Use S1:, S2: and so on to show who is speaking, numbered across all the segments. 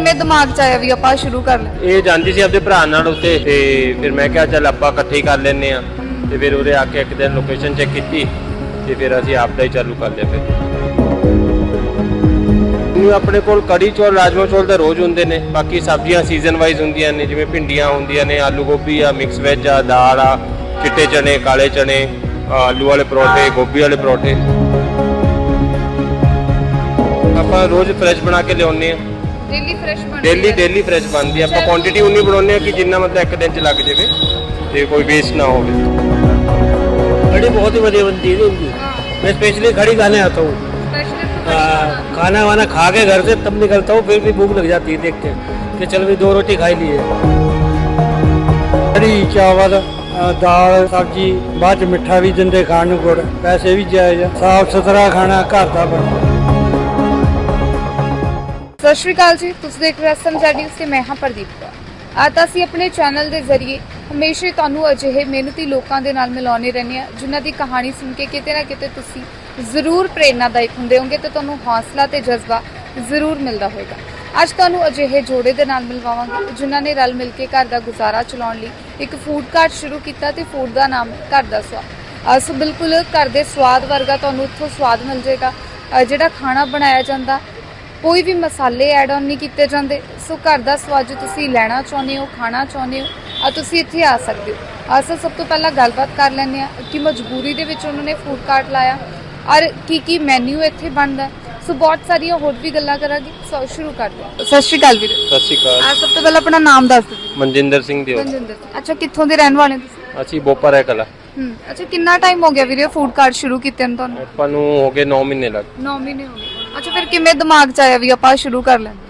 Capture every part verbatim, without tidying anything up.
S1: ਕਿਵੇਂ ਦਿਮਾਗ 'ਚ ਆਇਆ ਵੀ ਆਪਾਂ ਸ਼ੁਰੂ ਕਰ ਲੈ?
S2: ਇਹ ਜਾਂਦੀ ਸੀ ਆਪਣੇ ਭਰਾ ਨਾਲ ਉੱਤੇ ਤੇ ਫਿਰ ਮੈਂ ਕਿਹਾ ਚੱਲ ਆਪਾਂ ਇਕੱਠੇ ਹੀ ਕਰ ਲੈਂਦੇ ਆ ਤੇ ਫਿਰ ਉਹਦੇ ਆ ਕੇ ਇੱਕ ਦਿਨ ਲੋਕੇਸ਼ਨ ਚੈੱਕ ਕੀਤੀ ਤੇ ਫਿਰ ਅਸੀਂ ਆਪ ਦਾ ਹੀ ਚਾਲੂ ਕਰ ਲਿਆ। ਫਿਰ ਨੂੰ ਆਪਣੇ ਕੋਲ ਕੜੀ ਚੌਲ ਰਾਜਮਾ ਚੌਲ ਤਾਂ ਰੋਜ਼ ਹੁੰਦੇ ਨੇ, ਬਾਕੀ ਸਬਜ਼ੀਆਂ ਸੀਜ਼ਨ ਵਾਈਜ਼ ਹੁੰਦੀਆਂ ਨੇ, ਜਿਵੇਂ ਭਿੰਡੀਆਂ ਹੁੰਦੀਆਂ ਨੇ, ਆਲੂ ਗੋਭੀ ਆ, ਮਿਕਸ ਵੈਜ ਆ, ਦਾਲ ਆ, ਚਿੱਟੇ ਚਨੇ, ਕਾਲੇ ਚਨੇ, ਆਲੂ ਵਾਲੇ ਪਰੌਂਠੇ, ਗੋਭੀ ਵਾਲੇ ਪਰੌਂਠੇ ਆਪਾਂ ਰੋਜ਼ ਫਰੈਸ਼ ਬਣਾ ਕੇ ਲਿਆਉਂਦੇ ਆ।
S1: ਡੇਲੀ ਫਰੈਸ਼ ਬਣਦੀ
S2: ਡੇਲੀ ਡੇਲੀ ਫਰੈਸ਼ ਬਣਦੀ ਆ। ਆਪਾਂ ਕੁਆਂਟੀਟੀ ਉਨੀ ਬਣਾਉਂਦੇ ਆ ਕਿ ਜਿੰਨਾ ਮਤਲਬ ਇੱਕ ਦਿਨ ਚ ਲੱਗ ਜਾਵੇ ਤੇ ਕੋਈ ਵੇਸਟ ਨਾ ਹੋਵੇ।
S3: कड़ी बहुत ही बढ़िया बनती है इनकी। मैं स्पेशली कड़ी खाने आता हूँ। खाना वाना खा के घर से तब निकलता हूँ, फिर भी भूख लग जाती है देख के कि चल भी दो रोटी खाई ली है।
S4: कड़ी चावल दाल सब्जी बाद मिठा भी दिंदे खाण नूं, गुड़ पैसे भी जायज़, साफ सुथरा खाना घर दा बनदा।
S1: ਸਤਿ ਸ਼੍ਰੀ ਅਕਾਲ ਜੀ, ਤੁਸੀਂ ਦੇਖ ਰਹੇ ਹੋ ਸਾਡੀ ਉਸੇ ਮੈਂ ਹਾਂ ਪ੍ਰਦੀਪ ਕੌਰ। ਅੱਜ ਅਸੀਂ ਆਪਣੇ ਚੈਨਲ ਦੇ ਜ਼ਰੀਏ ਹਮੇਸ਼ਾ ਹੀ ਤੁਹਾਨੂੰ ਅਜਿਹੇ ਮਿਹਨਤੀ ਲੋਕਾਂ ਦੇ ਨਾਲ ਮਿਲਾਉਂਦੇ ਰਹਿੰਦੇ ਹਾਂ ਜਿਨ੍ਹਾਂ ਦੀ ਕਹਾਣੀ ਸੁਣ ਕੇ ਕਿਤੇ ਨਾ ਕਿਤੇ ਤੁਸੀਂ ਜ਼ਰੂਰ ਪ੍ਰੇਰਨਾਦਾਇਕ ਹੁੰਦੇ ਹੋਗੇ ਤੇ ਤੁਹਾਨੂੰ ਹੌਸਲਾ ਤੇ ਜਜ਼ਬਾ ਜ਼ਰੂਰ ਮਿਲਦਾ ਹੋਵੇਗਾ। ਅੱਜ ਤੁਹਾਨੂੰ ਅਜਿਹੇ ਜੋੜੇ ਦੇ ਨਾਲ ਮਿਲਵਾਵਾਂਗੇ ਜਿਨ੍ਹਾਂ ਨੇ ਰਲ ਮਿਲ ਕੇ ਘਰ ਦਾ ਗੁਜ਼ਾਰਾ ਚਲਾਉਣ ਲਈ ਇੱਕ ਫੂਡ ਕਾਰਟ ਸ਼ੁਰੂ ਕੀਤਾ ਤੇ ਫੂਡ ਦਾ ਨਾਮ ਘਰ ਦਾ ਸਵਾਦ। ਸੋ ਬਿਲਕੁਲ ਘਰ ਦੇ ਸਵਾਦ ਵਰਗਾ ਤੁਹਾਨੂੰ ਇੱਥੋਂ ਸਵਾਦ ਮਿਲ ਜਾਏਗਾ। ਜਿਹੜਾ ਖਾਣਾ ਬਣਾਇਆ ਜਾਂਦਾ ਕੋਈ ਵੀ ਮਸਾਲੇ ਐਡ ਆਨ ਨਹੀਂ ਕੀਤੇ ਜਾਂਦੇ। ਸੋ ਘਰ ਦਾ ਸਵਾਦ ਜੋ ਤੁਸੀਂ ਲੈਣਾ ਚਾਹੁੰਦੇ ਹੋ, ਖਾਣਾ ਚਾਹੁੰਦੇ ਹੋ, ਆ ਤੁਸੀਂ ਇੱਥੇ ਆ ਸਕਦੇ ਹੋ। ਅਸਲ ਸਭ ਤੋਂ ਪਹਿਲਾਂ ਗੱਲਬਾਤ ਕਰ ਲੈਂਦੇ ਆ ਕਿ ਮਜਬੂਰੀ ਦੇ ਵਿੱਚ ਉਹਨਾਂ ਨੇ ਫੂਡ ਕਾਰਟ ਲਾਇਆ ਔਰ ਕੀ ਕੀ ਮੈਨੂ ਇੱਥੇ ਬਣਦਾ। ਸੋ ਬਹੁਤ ਸਾਰੀਆਂ ਹੋਰ ਵੀ ਗੱਲਾਂ ਕਰਾਂਗੇ। ਸੋ ਸ਼ੁਰੂ ਕਰਦੇ ਹਾਂ। ਸਤਿ ਸ਼੍ਰੀ ਅਕਾਲ ਵੀਰੇ।
S2: ਸਤਿ ਸ਼੍ਰੀ ਅਕਾਲ।
S1: ਆ ਸਭ ਤੋਂ ਪਹਿਲਾਂ ਆਪਣਾ ਨਾਮ ਦੱਸ ਦਿਓ।
S2: ਮਨਜਿੰਦਰ ਸਿੰਘ ਦਿਓ।
S1: ਮਨਜਿੰਦਰ। ਅੱਛਾ, ਕਿੱਥੋਂ ਦੇ ਰਹਿਣ ਵਾਲੇ ਤੁਸੀਂ?
S2: ਅਸੀਂ ਬੋਪਾ ਰਹਿ ਕਲਾ।
S1: ਹੂੰ। ਅੱਛਾ, ਕਿੰਨਾ ਟਾਈਮ ਹੋ ਗਿਆ ਵੀਰੇ ਫੂਡ ਕਾਰਟ ਸ਼ੁਰੂ ਕੀਤੇ ਨੂੰ ਤੁਹਾਨੂੰ?
S2: ਆਪਾਂ ਨੂੰ ਹੋ ਗਏ ਨੌ ਮਹੀਨੇ ਲੱਗ।
S1: ਨੌ ਮਹੀਨੇ ਹੋ ਗਏ। ਅੱਛਾ, ਫਿਰ ਕਿਵੇਂ ਦਿਮਾਗ 'ਚ ਆਇਆ ਵੀ ਆਪਾਂ ਸ਼ੁਰੂ ਕਰ ਲੈਂਦੇ?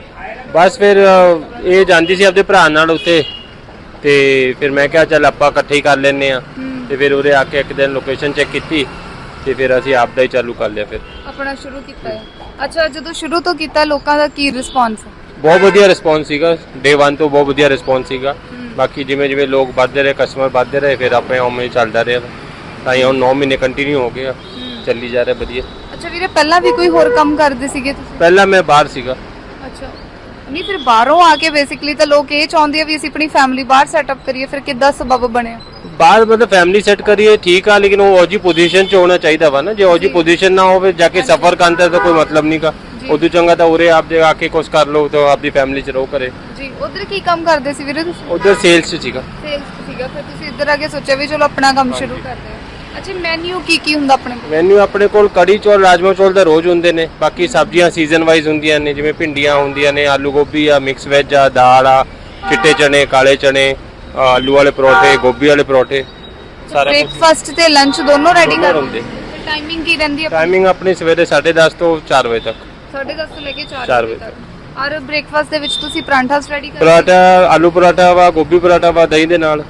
S2: ਬਸ ਫਿਰ ਇਹ ਜਾਂਦੀ ਸੀ ਆਪਣੇ ਭਰਾ ਨਾਲ ਉੱਤੇ ਤੇ ਫਿਰ ਮੈਂ ਕਿਹਾ ਚੱਲ ਆਪਾਂ ਇਕੱਠੇ ਹੀ ਕਰ ਲੈਂਦੇ ਆ ਤੇ ਫਿਰ ਉਹਦੇ ਆ ਕੇ ਇੱਕ ਦਿਨ ਲੋਕੇਸ਼ਨ ਚੈੱਕ ਕੀਤੀ ਤੇ ਫਿਰ ਅਸੀਂ ਆਪ ਦਾ ਹੀ ਚਾਲੂ ਕਰ ਲਿਆ। ਫਿਰ
S1: ਆਪਣਾ ਸ਼ੁਰੂ ਕੀਤਾ ਹੈ। ਅੱਛਾ, ਜਦੋਂ ਸ਼ੁਰੂ ਤੋਂ ਕੀਤਾ ਲੋਕਾਂ ਦਾ ਕੀ ਰਿਸਪੌਂਸ ਹੈ?
S2: ਬਹੁਤ ਵਧੀਆ ਰਿਸਪੌਂਸ ਸੀਗਾ। ਡੇ ਵਨ ਤੋਂ ਬਹੁਤ ਵਧੀਆ ਰਿਸਪੌਂਸ ਸੀਗਾ। ਬਾਕੀ ਜਿਵੇਂ ਜਿਵੇਂ ਲੋਕ ਵੱਧਦੇ ਰਹੇ, ਕਸਟਮਰ ਵੱਧਦੇ ਰਹੇ, ਫਿਰ ਆਪਣੇ ਉਵੇਂ ਹੀ ਚੱਲਦਾ ਰਿਹਾ ਤਾਂ ਇਹ ਹੁਣ ਨੌ ਮਹੀਨੇ ਕੰਟੀਨਿਊ ਹੋ ਗਏ ਆ, ਚੱਲੀ ਜਾ ਰਿਹਾ ਵਧੀਆ।
S1: ਅੱਛਾ ਵੀਰੇ, ਪਹਿਲਾਂ ਵੀ ਕੋਈ ਹੋਰ ਕੰਮ ਕਰਦੇ ਸੀਗੇ ਤੁਸੀਂ?
S2: ਪਹਿਲਾਂ ਮੈਂ ਬਾਹਰ ਸੀਗਾ।
S1: ਅੱਛਾ, ਨਹੀਂ ਫਿਰ ਬਾਹਰੋਂ ਆ ਕੇ ਬੇਸਿਕਲੀ ਤਾਂ ਲੋਕ ਇਹ ਚਾਹੁੰਦੇ ਆ ਵੀ ਅਸੀਂ ਆਪਣੀ ਫੈਮਿਲੀ ਬਾਹਰ ਸੈਟਅਪ ਕਰੀਏ, ਫਿਰ ਕਿੱਦਾਂ ਸਬਬ ਬਣਿਆ?
S2: ਬਾਹਰ ਮਤਲਬ ਫੈਮਿਲੀ ਸੈੱਟ ਕਰੀਏ ਠੀਕ ਆ, ਲੇਕਿਨ ਉਹ ਉਹਦੀ ਪੋਜੀਸ਼ਨ 'ਚ ਹੋਣਾ ਚਾਹੀਦਾ ਵਾ ਨਾ। ਜੇ ਉਹਦੀ ਪੋਜੀਸ਼ਨ ਨਾ ਹੋਵੇ ਜਾ ਕੇ ਸਫਰ ਕਰਦਾ ਤਾਂ ਕੋਈ ਮਤਲਬ ਨਹੀਂ ਕਾ। ਉਦੋਂ ਚੰਗਾ ਤਾਂ ਉਰੇ ਆਪ ਦੇ ਆ ਕੇ ਕੁਝ ਕਰ ਲਓ ਤਾਂ ਆਪਣੀ ਫੈਮਿਲੀ 'ਚ ਰਹੋ ਕਰੇ।
S1: ਜੀ, ਉਧਰ ਕੀ ਕੰਮ ਕਰਦੇ ਸੀ ਵੀਰੇ ਤੁਸੀਂ?
S2: ਉਧਰ ਸੇਲਸ 'ਚ ਸੀਗਾ।
S1: ਸੇਲਸ ਸੀਗਾ, ਫਿਰ ਤੁਸੀਂ ਇੱਧਰ ਆ ਕੇ ਸੋਚਿਆ ਵੀ ਚਲੋ ਆਪਣਾ ਕੰਮ ਸ਼ੁਰੂ ਕਰਦੇ ਹਾਂ। ਅੱਛਾ, ਮੈਨੂ ਕੀ ਕੀ ਹੁੰਦਾ ਆਪਣੇ ਕੋਲ?
S2: ਮੈਨੂ ਆਪਣੇ ਕੋਲ ਕੜੀ ਚੌਲ ਰਾਜਮਾ ਚੌਲ ਤਾਂ ਰੋਜ਼ ਹੁੰਦੇ ਨੇ, ਬਾਕੀ ਸਬਜ਼ੀਆਂ ਸੀਜ਼ਨ ਵਾਈਜ਼ ਹੁੰਦੀਆਂ ਨੇ, ਜਿਵੇਂ ਭਿੰਡੀਆਂ ਹੁੰਦੀਆਂ ਨੇ, ਆਲੂ ਗੋਭੀ ਆ, ਮਿਕਸ ਵੈਜ ਆ, ਦਾਲ ਆ, ਚਿੱਟੇ ਚਨੇ, ਕਾਲੇ ਚਨੇ, ਆਲੂ ਵਾਲੇ ਪਰੌਂਠੇ, ਗੋਭੀ ਵਾਲੇ ਪਰੌਂਠੇ, ਸਾਰਾ ਕੁਝ।
S1: ਬ੍ਰੇਕਫਾਸਟ ਤੇ ਲੰਚ ਦੋਨੋਂ ਰੈਡੀ ਕਰ
S2: ਹੁੰਦੇ।
S1: ਟਾਈਮਿੰਗ ਕੀ ਰਹਿੰਦੀ ਹੈ?
S2: ਟਾਈਮਿੰਗ ਆਪਣੀ ਸਵੇਰੇ ਸਾਢੇ ਦਸ ਤੋਂ ਚਾਰ ਵਜੇ ਤੱਕ।
S1: ਸਾਢੇ ਦਸ ਤੋਂ ਲੈ ਕੇ ਚਾਰ
S2: ਚਾਰ
S1: ਵਜੇ
S2: ਵਜੇ
S1: ਤੱਕ। ਔਰ ਬ੍ਰੇਕਫਾਸਟ ਦੇ ਵਿੱਚ ਤੁਸੀਂ ਪਰਾਂਠਾ ਰੈਡੀ ਕਰਦੇ?
S2: ਪਰਾਠਾ, ਆਲੂ ਪਰਾਠਾ ਵਾ, ਗੋਭੀ ਪਰਾਠਾ ਵਾ, ਦਹੀਂ ਦੇ ਨਾਲ।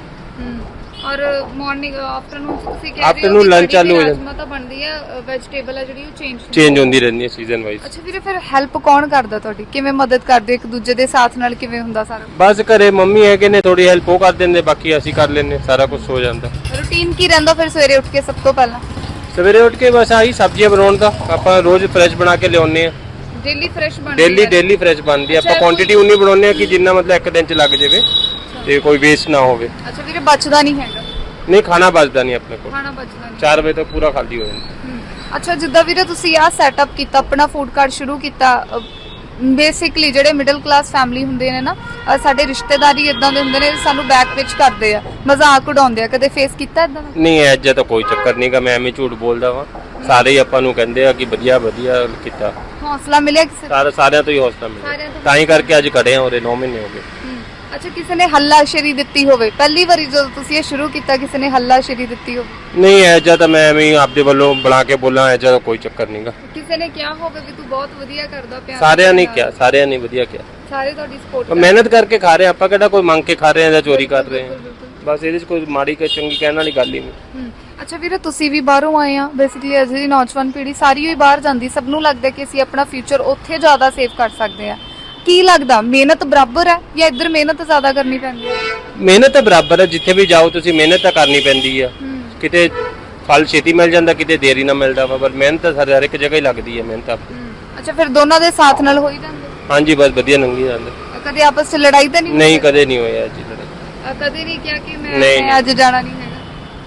S1: ਔਰ ਮਾਰਨਿੰਗ ਆਫਟਰਨੂਨ ਤੁਸੀਂ ਕਹਿ ਰਹੇ ਹੋ
S2: ਆਫਟਰਨੂਨ ਲੰਚ ਚਾਲੂ ਹੋ ਜਾਂਦਾ।
S1: ਰਾਜਮਾ ਤਾਂ ਬਣਦੀ ਹੈ, ਵੈਜੀਟੇਬਲ ਹੈ ਜਿਹੜੀ ਉਹ ਚੇਂਜ
S2: ਚੇਂਜ ਹੁੰਦੀ ਰਹਿੰਦੀ ਹੈ ਸੀਜ਼ਨ ਵਾਈਜ਼।
S1: ਅੱਛਾ ਵੀਰੇ, ਫਿਰ ਹੈਲਪ ਕੌਣ ਕਰਦਾ ਤੁਹਾਡੀ? ਕਿਵੇਂ ਮਦਦ ਕਰਦੇ ਇੱਕ ਦੂਜੇ ਦੇ ਸਾਥ ਨਾਲ? ਕਿਵੇਂ ਹੁੰਦਾ ਸਾਰਾ?
S2: ਬਸ ਘਰੇ ਮੰਮੀ ਹੈਗੇ ਨੇ, ਥੋੜੀ ਹੈਲਪ ਉਹ ਕਰ ਦਿੰਦੇ, ਬਾਕੀ ਅਸੀਂ ਕਰ ਲੈਂਦੇ, ਸਾਰਾ ਕੁਝ ਹੋ ਜਾਂਦਾ।
S1: ਰੂਟੀਨ ਕੀ ਰਹਿੰਦਾ ਫਿਰ ਸਵੇਰੇ ਉੱਠ ਕੇ? ਸਭ ਤੋਂ ਪਹਿਲਾਂ
S2: ਸਵੇਰੇ ਉੱਠ ਕੇ ਬਸ ਆਹੀ ਸਬਜ਼ੀਆਂ ਬਣਾਉਣ ਦਾ, ਆਪਾਂ ਰੋਜ਼ ਫਰੈਸ਼ ਬਣਾ ਕੇ ਲਿਆਉਂਦੇ ਆ।
S1: ਡੇਲੀ ਫਰੈਸ਼ ਬਣਦੀ ਹੈ?
S2: ਡੇਲੀ ਡੇਲੀ ਫਰੈਸ਼ ਬਣਦੀ ਆ। ਆਪਾਂ ਕੁਆਂਟੀਟੀ ਉਨੀ ਬਣਾਉਂਦੇ ਆ ਕਿ ਜਿੰਨਾ ਮਤਲਬ ਇੱਕ ਦਿਨ ਚ ਲੱਗ ਜਾਵੇ ਤੇ ਕੋਈ ਵੇਸਟ ਨਾ ਹੋਵੇ।
S1: ਅੱਛਾ ਵੀਰੇ, ਬਚਦਾ ਨਹੀਂ ਹੈਗਾ?
S2: ਨਹੀਂ, ਖਾਣਾ ਬਚਦਾ ਨਹੀਂ ਆਪਣੇ ਕੋਲ।
S1: ਖਾਣਾ ਬਚਦਾ ਨਹੀਂ।
S2: ਚਾਰ ਵਜੇ ਤੱਕ ਪੂਰਾ ਖਾਲੀ ਹੋ ਜਾਂਦਾ।
S1: ਅੱਛਾ, ਜਿੱਦਾਂ ਵੀਰੇ ਤੁਸੀਂ ਆਹ ਸੈਟਅਪ ਕੀਤਾ, ਆਪਣਾ ਫੂਡ ਕਾਰਟ ਸ਼ੁਰੂ ਕੀਤਾ, ਬੇਸਿਕਲੀ ਜਿਹੜੇ ਮਿਡਲ ਕਲਾਸ ਫੈਮਿਲੀ ਹੁੰਦੇ ਨੇ ਨਾ, ਸਾਡੇ ਰਿਸ਼ਤੇਦਾਰੀ ਇਦਾਂ ਦੇ ਹੁੰਦੇ ਨੇ, ਸਾਨੂੰ ਬੈਕ ਪਿਚ ਕਰਦੇ ਆ, ਮਜ਼ਾਕ ਉਡਾਉਂਦੇ ਆ, ਕਦੇ ਫੇਸ ਕੀਤਾ ਇਦਾਂ ਦਾ?
S2: ਨਹੀਂ, ਐਜਾ ਤਾਂ ਕੋਈ ਚੱਕਰ ਨਹੀਂਗਾ। ਮੈਂ ਐਵੇਂ ਝੂਠ ਬੋਲਦਾ ਵਾਂ। ਸਾਰੇ ਹੀ ਆਪਾਂ ਨੂੰ ਕਹਿੰਦੇ ਆ ਕਿ ਵਧੀਆ ਵਧੀਆ ਕੀਤਾ।
S1: ਹੌਸਲਾ ਮਿਲਿਆ ਕਿਸੇ?
S2: ਸਾਰੇ ਸਾਰਿਆਂ ਤੋਂ ਹੀ ਹੌਸਲਾ ਮਿਲਿਆ, ਤਾਂ ਹੀ ਕਰਕੇ ਅੱਜ ਖੜੇ ਆ ਉਰੇ। ਨੌ ਮਹੀਨੇ ਹੋ ਗਏ।
S1: ਅੱਛਾ, ਕਿਸੇ ਨੇ ਹੱਲਾਸ਼ੇਰੀ ਦਿੱਤੀ ਹੋਵੇ ਪਹਿਲੀ ਵਾਰੀ ਜਦੋਂ ਤੁਸੀਂ ਇਹ ਸ਼ੁਰੂ ਕੀਤਾ, ਕਿਸੇ ਨੇ ਹੱਲਾਸ਼ੇਰੀ ਦਿੱਤੀ ਹੋਵੇ?
S2: ਨਹੀਂ, ਐਜਾ ਤਾਂ ਮੈਂ ਐਵੇਂ ਆਪਦੇ ਵੱਲੋਂ ਬਣਾ ਕੇ ਬੋਲਾਂ, ਐਜਾ ਤਾਂ ਕੋਈ ਚੱਕਰ ਨਹੀਂਗਾ।
S1: ਕਿਸੇ ਨੇ ਕਿਹਾ ਹੋਵੇ ਵੀ ਤੂੰ ਬਹੁਤ ਵਧੀਆ ਕਰਦਾ ਪਿਆ?
S2: ਸਾਰਿਆਂ ਨੇ ਕਿਹਾ, ਸਾਰਿਆਂ ਨੇ ਵਧੀਆ ਕਿਹਾ।
S1: ਸਾਰੇ ਤੁਹਾਡੀ ਸਪੋਰਟ
S2: ਮਿਹਨਤ ਕਰਕੇ ਖਾ ਰਹੇ ਆਪਾਂ, ਕਿਹੜਾ ਕੋਈ ਮੰਗ ਕੇ ਖਾ ਰਹੇ ਆ ਜਾਂ ਚੋਰੀ ਕਰ ਰਹੇ ਆ। ਬਸ ਇਹਦੇ 'ਚ ਕੋਈ ਮਾੜੀ ਕਿ ਚੰਗੀ ਕਹਿਣ ਵਾਲੀ ਗੱਲ ਹੀ ਨਹੀਂ।
S1: ਅੱਛਾ ਵੀਰੇ, ਤੁਸੀਂ ਵੀ ਬਾਹਰੋਂ ਆਏ ਆ, ਬੇਸਿਕਲੀ ਅੱਜ ਦੀ ਨੌਜਵਾਨ ਪੀੜ੍ਹੀ ਸਾਰੀ ਹੀ ਬਾਹਰ ਜਾਂਦੀ, ਸਭ ਨੂੰ ਲੱਗਦਾ ਕਿ ਅਸੀਂ ਆਪਣਾ ਫਿਊਚਰ ਉੱਥੇ ਜ਼ਿਆਦਾ ਸੇਵ ਕਰ ਸਕਦੇ ਆ। ਕੀ ਲੱਗਦਾ, ਮਿਹਨਤ ਬਰਾਬਰ ਹੈ ਜਾਂ ਇੱਧਰ ਮਿਹਨਤ ਜ਼ਿਆਦਾ ਕਰਨੀ ਪੈਂਦੀ ਹੈ?
S2: ਮਿਹਨਤ ਤਾਂ ਬਰਾਬਰ ਹੈ, ਜਿੱਥੇ ਵੀ ਜਾਓ ਤੁਸੀਂ ਮਿਹਨਤ ਤਾਂ ਕਰਨੀ ਪੈਂਦੀ ਆ। ਕਿਤੇ ਫਲ ਛੇਤੀ ਮਿਲ ਜਾਂਦਾ, ਕਿਤੇ ਦੇਰੀ ਨਾਲ ਮਿਲਦਾ ਵਾ, ਪਰ ਮਿਹਨਤ ਤਾਂ ਹਰ ਇੱਕ ਜਗ੍ਹਾ ਹੀ ਲੱਗਦੀ ਹੈ ਮਿਹਨਤ।
S1: ਅੱਛਾ, ਫਿਰ ਦੋਨਾਂ ਦੇ ਸਾਥ ਨਾਲ ਹੋ ਹੀ ਜਾਂਦੇ?
S2: ਹਾਂਜੀ ਬਸ ਵਧੀਆ ਲੰਘੀ ਜਾਂਦੇ।
S1: ਕਦੇ ਆਪਸ ਚ ਲੜਾਈ ਤਾਂ ਨਹੀਂ ਹੋਈ?
S2: ਨਹੀਂ ਕਦੇ ਨਹੀਂ ਹੋਇਆ ਜੀ ਲੜਾਈ।
S1: ਅ, ਕਦੇ ਨਹੀਂ ਕਿਹਾ ਕਿ ਮੈਂ
S2: ਨਹੀਂ,
S1: ਮੈਂ ਅੱਜ ਜਾਣਾ ਨਹੀਂ ਹੈਗਾ।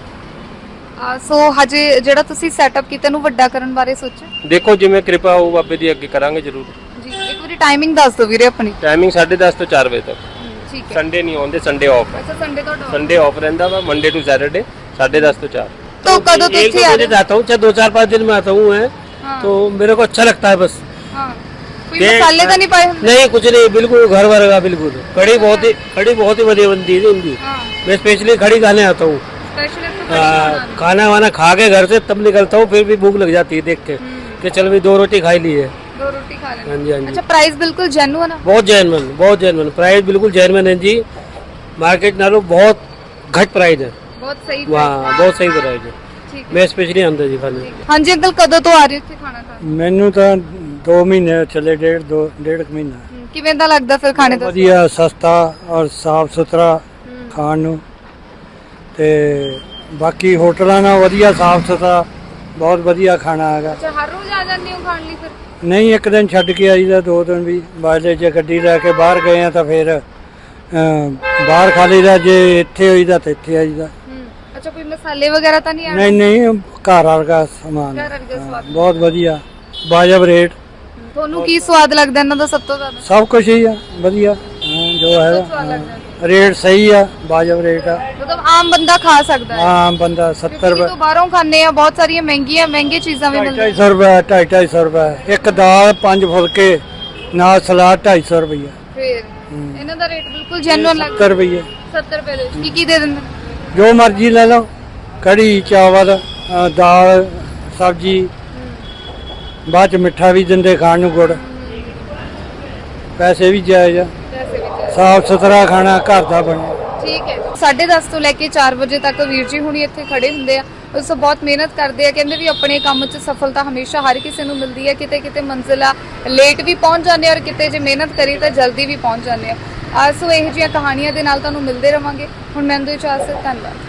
S1: ਅ, ਸੋ ਹਜੇ ਜਿਹੜਾ ਤੁਸੀਂ ਸੈਟਅਪ ਕੀਤਾ ਨੂੰ ਵੱਡਾ ਕਰਨ ਬਾਰੇ ਸੋਚਿਆ?
S2: ਦੇਖੋ ਜਿਵੇਂ ਕਿਰਪਾ ਹੋਊ ਬਾਬੇ ਦੀ, ਅੱਗੇ ਕਰਾਂਗੇ ਜ਼ਰੂਰ।
S1: ਜੀ ਇੱਕ ਵਾਰੀ ਟਾਈਮਿੰਗ ਦੱਸ ਦਿਓ ਵੀਰੇ ਆਪਣੀ।
S2: ਟਾਈਮਿੰਗ ਸਾਢੇ ਦਸ ਤੋਂ ਚਾਰ ਵਜੇ ਤੱਕ।
S1: ਠੀਕ ਹੈ।
S2: ਸੰਡੇ ਨਹੀਂ ਆਉਂਦੇ, ਸੰਡੇ ਆਫ ਹੈ।
S1: ਅੱਛਾ ਸੰਡੇ ਤੋਂ ਡਾਊਨ।
S2: संडे ऑफ रहता था, मंडे टू सैटरडे साढ़े दस तो चार।
S1: तो कदों तो
S3: एक
S1: ਇੱਥੇ
S3: दो
S1: आ
S3: बजे
S1: रहे
S3: आता हूँ, चाहे दो चार पाँच दिन में आता हूँ मैं,
S1: हाँ।
S3: तो मेरे को अच्छा लगता है बस।
S1: ਹਾਂ ਕੋਈ
S3: ये-
S1: ਮਸਾਲੇ ਤਾਂ ਨਹੀਂ ਪਾਏ ਹੁੰਦੇ?
S3: नहीं कुछ नहीं, बिल्कुल घर वर्गा बिल्कुल। कड़ी बहुत ही कड़ी बहुत ही बढ़िया बनती है इनकी।
S1: ਹਾਂ
S3: मैं स्पेशली खड़ी खाने आता हूँ।
S1: ਸਪੈਸ਼ਲ ਇੱਥੇ
S3: आ,
S1: ਕੜੀ
S3: खाना वाना खा के घर से तब निकलता हूँ, फिर भी भूख लग जाती है देख के कि चल भी दो रोटी खाई ली है।
S1: ਦੋ ਰੋਟੀ ਖਾ ਲੈਣੀ।
S3: हाँ जी हाँ जी,
S1: ਅੱਛਾ ਪ੍ਰਾइस ਬਿਲਕੁਲ ਜੈਨੂਅਨ ਆ?
S3: बहुत जैनवन बहुत जैनवन प्राइस, बिल्कुल जैनवन है जी। मार्केट नालों बहुत घट प्राइस है
S1: ਬਹੁਤ ਸਹੀ
S3: वहाँ, बहुत सही प्राइस है।
S1: ਠੀਕ ਹੈ।
S3: मैं स्पेशली आंदा जी खाने।
S1: ਹਾਂਜੀ ਅੰਕਲ ਕਦੋਂ ਤੋਂ ਆ ਰਹੇ ਹੋ ਇੱਥੇ ਖਾਣਾ ਖਾਣ?
S4: ਮੈਨੂੰ ਤਾਂ ਦੋ ਮਹੀਨੇ ਚੱਲੇ, ਡੇਢ ਦੋ ਡੇਢ ਕੁ ਮਹੀਨਾ।
S1: ਹਮ, ਕਿਵੇਂ ਦਾ ਲੱਗਦਾ ਫਿਰ ਖਾਣੇ ਦਾ?
S4: ਵਧੀਆ, ਸਸਤਾ ਔਰ ਸਾਫ ਸੁਥਰਾ ਖਾਣ ਨੂੰ। ਤੇ ਬਾਕੀ ਹੋਟਲਾਂ ਨਾਲ ਵਧੀਆ ਸਾਫ ਸੁਥਰਾ, ਬਹੁਤ ਵਧੀਆ ਖਾਣਾ ਹੈਗਾ।
S1: ਅੱਛਾ ਹਰ ਰੋਜ਼ ਆ ਜਾਂਦੇ ਹੋ ਖਾਣ ਲਈ ਫਿਰ?
S4: ਨਹੀਂ ਇੱਕ ਦਿਨ ਛੱਡ ਕੇ ਆਈਦਾ, ਦੋ ਦਿਨ ਵੀ ਬਾਅਦ ਜੇ ਗੱਡੀ ਲੈ ਕੇ ਬਾਹਰ ਗਏ ਆ ਤਾਂ ਫਿਰ ਅਮ, ਬਾਹਰ ਖਾ ਲਈਦਾ, ਜੇ ਇੱਥੇ ਹੋਈਦਾ ਤਾਂ ਇੱਥੇ ਆਈਦਾ।
S1: ਹਮ, ਅੱਛਾ ਕੋਈ ਮਸਾਲੇ ਵਗੈਰਾ ਤਾਂ ਨਹੀਂ ਆਣੇ?
S4: ਨਹੀਂ ਨਹੀਂ ਘਰ ਵਰਗਾ ਸਮਾਨ,
S1: ਘਰ ਵਰਗਾ
S4: ਹਾਂ,
S1: ਸਵਾਦ।
S4: ਬਹੁਤ ਵਧੀਆ, ਵਾਜਬ ਰੇਟ,
S1: ਤੁਹਾਨੂੰ ਕੀ ਸਵਾਦ ਲੱਗਦਾ ਇਹਨਾਂ ਦਾ ਸਭ ਤੋਂ ਜ਼ਿਆਦਾ?
S4: ਸਭ ਕੁਝ ਹੀ ਆ ਵਧੀਆ, ਹਾਂ, ਜੋ
S1: ਸਵਾਦ
S4: ਹੈਗਾ
S1: ਲੱਗਦਾ
S4: ਰੇਟ ਸਹੀ ਆ, ਵਾਜਬ ਰੇਟ ਆ।
S1: ਮਤਲਬ ਆਮ ਬੰਦਾ ਖਾ ਸਕਦਾ ਹੈ?
S4: ਆਮ ਬੰਦਾ ਸੱਤਰ
S1: ਕਿਉਂਕਿ
S4: ਰੁਪਏ,
S1: ਤੋਂ ਬਾਹਰੋਂ ਖਾਂਦੇ ਆ, ਬਹੁਤ ਸਾਰੀਆਂ ਮਹਿੰਗੀਆਂ ਮਹਿੰਗੀ ਚੀਜ਼ਾਂ ਵੀ
S4: ਢਾਈ
S1: ਮਿਲਦੀਆਂ।
S4: ਸੌ ਰੁਪਏ, ਢਾਈ ਢਾਈ ਸੌ ਰੁਪਏ ਇੱਕ ਦਾਲ, ਪੰਜ ਫੁਲਕੇ ਨਾਲ ਸਲਾਦ, ਢਾਈ ਸੌ ਰੁਪਏ।
S1: ਫਿਰ ਇਹਨਾਂ ਦਾ ਰੇਟ ਬਿਲਕੁਲ ਜੈਨੂਅਨ ਲੱਗਦਾ।
S4: ਸੱਤਰ ਰੁਪਏ
S1: ਸੱਤਰ ਰੁਪਏ ਦੇ ਵਿੱਚ ਕੀ ਕੀ ਦੇ ਦਿੰਦੇ ਨੇ?
S4: ਜੋ ਮਰਜ਼ੀ ਲੈ ਲਓ, ਕੜੀ ਚਾਵਲ, ਅ, ਦਾਲ ਸਬਜ਼ੀ, ਬਾਅਦ ਚ ਮਿੱਠਾ ਵੀ ਦਿੰਦੇ ਖਾਣ ਨੂੰ, ਗੁੜ, ਪੈਸੇ ਵੀ ਜਾਇਜ਼ ਆ,
S1: ਪੈਸੇ ਵਿੱਚ
S4: ਸਾਫ ਸੁਥਰਾ ਖਾਣਾ ਘਰ ਦਾ ਬਣਿਆ।
S1: ਠੀਕ ਹੈ। ਸਾਢੇ ਦਸ ਤੋਂ ਲੈ ਕੇ ਚਾਰ ਵਜੇ ਤੱਕ ਵੀਰ ਜੀ ਹੁਣੀ ਇੱਥੇ ਖੜੇ ਹੁੰਦੇ ਆ। ਉਸ ਤੋਂ ਬਹੁਤ ਮਿਹਨਤ ਕਰਦੇ ਆ। ਕਹਿੰਦੇ ਵੀ ਆਪਣੇ ਕੰਮ 'ਚ ਸਫਲਤਾ ਹਮੇਸ਼ਾ ਹਰ ਕਿਸੇ ਨੂੰ ਮਿਲਦੀ ਹੈ। ਕਿਤੇ ਕਿਤੇ ਮੰਜ਼ਿਲ ਆ ਲੇਟ ਵੀ ਪਹੁੰਚ ਜਾਂਦੇ ਆ, ਔਰ ਕਿਤੇ ਜੇ ਮਿਹਨਤ ਕਰੀ ਤਾਂ ਜਲਦੀ ਵੀ ਪਹੁੰਚ ਜਾਂਦੇ ਆ। ਆ ਸੋ ਇਹੋ ਜਿਹੀਆਂ ਕਹਾਣੀਆਂ ਦੇ ਨਾਲ ਤੁਹਾਨੂੰ ਮਿਲਦੇ ਰਵਾਂਗੇ। ਹੁਣ ਮੈਨੂੰ ਇਜਾਜ਼ਤ, ਧੰਨਵਾਦ।